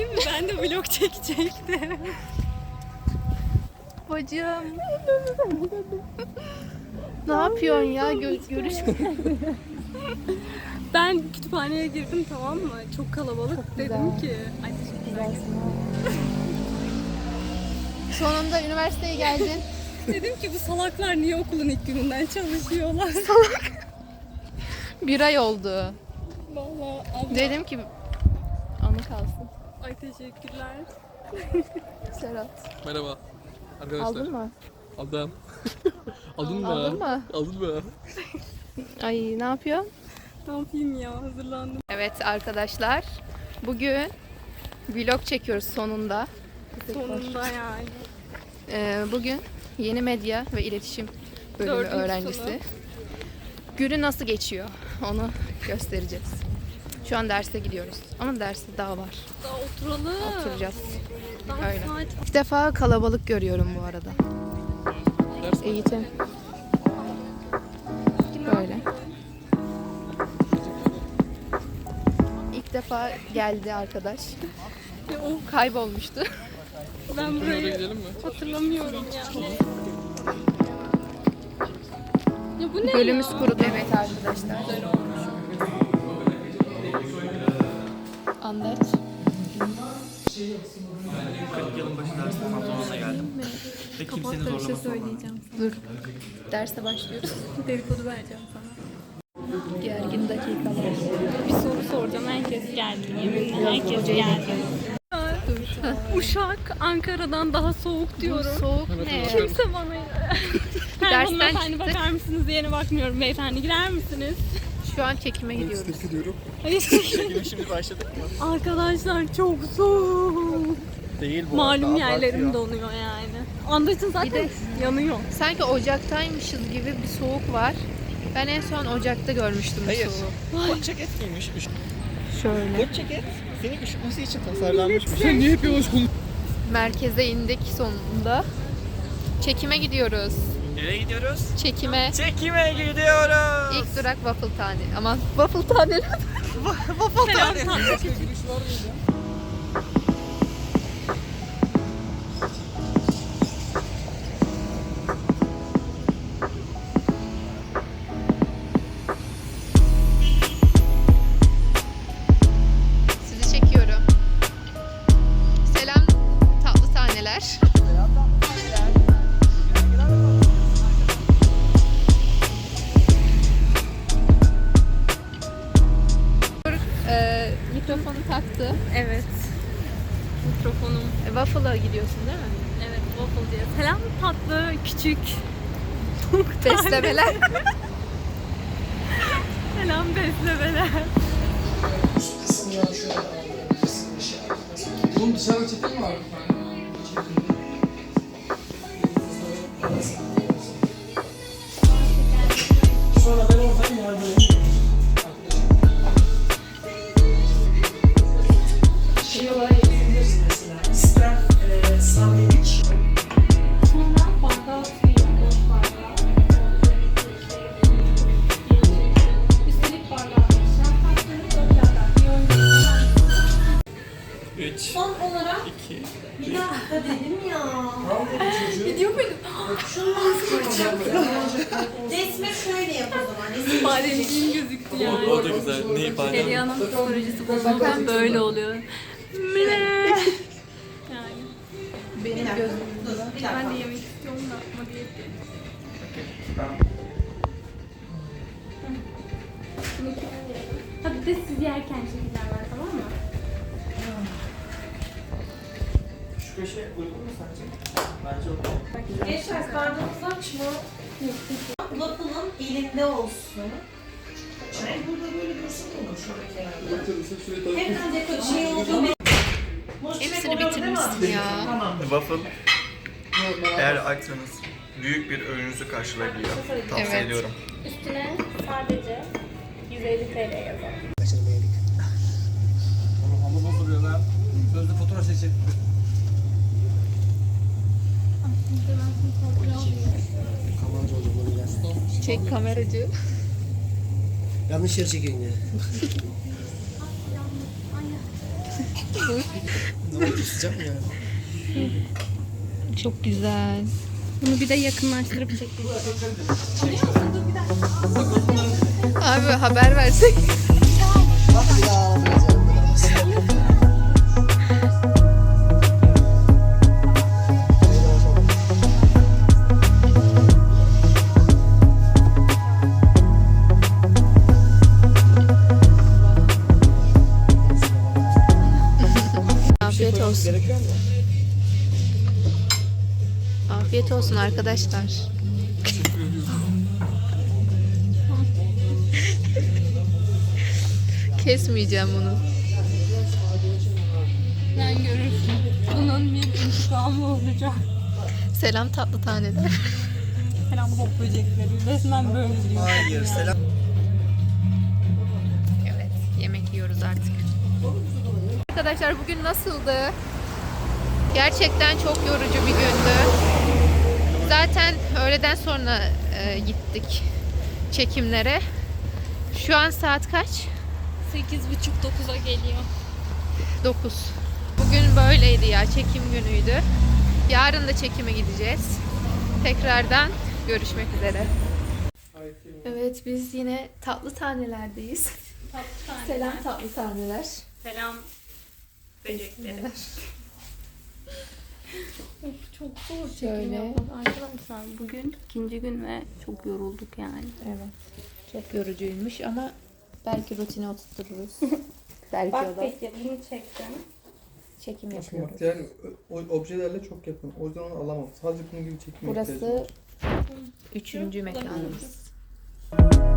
değil mi? Ben de vlog çekecektim. Bacım. Ne yapıyorsun ya? Görüş. Ben kütüphaneye girdim, tamam mı? Çok kalabalık. Çok Dedim güzel. ki. Ay teşekkürler. Sonunda üniversiteye geldin. Dedim ki bu salaklar niye okulun ilk gününden çalışıyorlar? Bir ay oldu. Vallahi abla. Dedim ki anı kalsın. Ay teşekkürler. Serhat. Merhaba arkadaşlar. Aldın mı? Aldım. Aldın mı? Aldın mı? Aldın mı? Ay ne yapıyorsun? Ne yapayım ya, hazırlandım. Evet arkadaşlar. Bugün vlog çekiyoruz sonunda. Sonunda yani. Bugün yeni medya ve iletişim bölümü Dördüncü öğrencisi. sınıf. Günü nasıl geçiyor onu göstereceğiz. Şu an derse gidiyoruz. Ama derste daha var. Daha oturalım. Oturacağız. Daha Öyle. saat. İlk defa kalabalık görüyorum bu arada. Ders mi? Eğitim. Böyle. İlk defa geldi arkadaş. Ya, of, Kaybolmuştu. ben Oraya burayı gidelim mi? hatırlamıyorum yani. Ya bu ne Bölümümüz ya? kurudu. Evet arkadaşlar. Anlat. 40 yılın başı ders pantolonuna geldim. Ve kimsenin zorlaması söyleyeceğim. Dur. Derse başlıyoruz. Dedikodu vereceğim sana. Gergin dakikalar. Bir soru soracağım. Herkes geldi. Yeminle herkes geldi. Uşak Ankara'dan daha soğuk diyorum. Soğuk ne? Kimse bana... Dersten Hanımefendi çıktık. bakar mısınız? Yeni bakmıyorum beyefendi. Girer misiniz? Şu an çekime gidiyoruz. Hayır. Çekime şimdi başladık mı? Arkadaşlar çok soğuk. Değil bu Malum arada, yerlerim abartıyor. donuyor yani. Andacın zaten Bir de- yanıyor. Sanki Ocak'taymışız gibi bir soğuk var. Ben en son Ocak'ta görmüştüm bu Hayır. soğuğu. Kot ceket giymiş. Şöyle. Kot ceket seni üşütmesi için tasarlanmış. Sen niye hep yavaş konuşuyorsun? Merkeze indik sonunda. Çekime gidiyoruz. Nereye gidiyoruz? Çekime. Çekime gidiyoruz. İlk durak waffle tane. Aman waffle taneler. Waffle tane. Sizi çekiyorum. Selam tatlı taneler. Mikrofonu taktı. Evet. Mikrofonum. Waffle'a gidiyorsun değil mi? Evet, waffle diye. Selam tatlı, küçük. Beslemeler. Selam beslemeler. Oğlum dışarıda çekim mi var? Son olarak 2. bir dakika dedim ya. Gidiyor muydum? Resmi şöyle yap o zaman. Resmi Bademciğim gözüktü yani. O da güzel. Ne ifade? Perihan'ın psikolojisi bozuldu. Böyle oluyor. Mine. Yani Benim gözüm. bir dakika. ben de yemek istiyorum da ama diyetteyim. Hadi de siz yerken şekiller var, tamam mı? Şu köşe uygun mu sence? Bence o. Gençler karnınız aç mı? Waffle'ın elinde olsun. Burada böyle dursun olur şöyle kenarda. Hemen de kaçıyor. Hepsini bitirmişsin ya. Waffle eğer açsanız büyük bir öğününüzü karşılayabiliyor. Tavsiye Evet. ediyorum. Üstüne sadece 150 TL yazalım. Oğlum hava bozuluyor lan. Sözlü fotoğraf çekecek. Çek kameracı. Yanlış yere çekiyorsun ya. Sıcak mı yani? Çok güzel. Bunu bir de yakınlaştırıp çekeyim. Abi haber versek. Afiyet olsun. Gerekiyor mu? Afiyet olsun arkadaşlar. Kesmeyeceğim bunu. Sen görürsün. Bunun bir intikamı olacak. Selam tatlı taneler. Falan bok böcekleri. Resmen böyle diyor. Hayır, selam. Evet, yemek yiyoruz artık. Arkadaşlar bugün nasıldı? Gerçekten çok yorucu bir gündü. Zaten öğleden sonra gittik çekimlere. Şu an saat kaç? 8.30-9'a geliyor. 9. Bugün böyleydi ya, çekim günüydü. Yarın da çekime gideceğiz. Tekrardan görüşmek üzere. Evet, biz yine tatlı tanelerdeyiz. Selam tatlı taneler. Selam böcekleri. Çok zor çekim Şöyle. yapmak arkadaşlar. Bugün ikinci gün ve çok yorulduk yani. Evet. Çok yorucuymuş ama belki rutine oturturuz. belki Bak o da peki bunu çektim. çekim yapıyoruz. Yani o objelerle çok yakın. O yüzden onu alamam. Sadece bunun gibi çekmeye ihtiyacım Burası var. 3. mekanımız.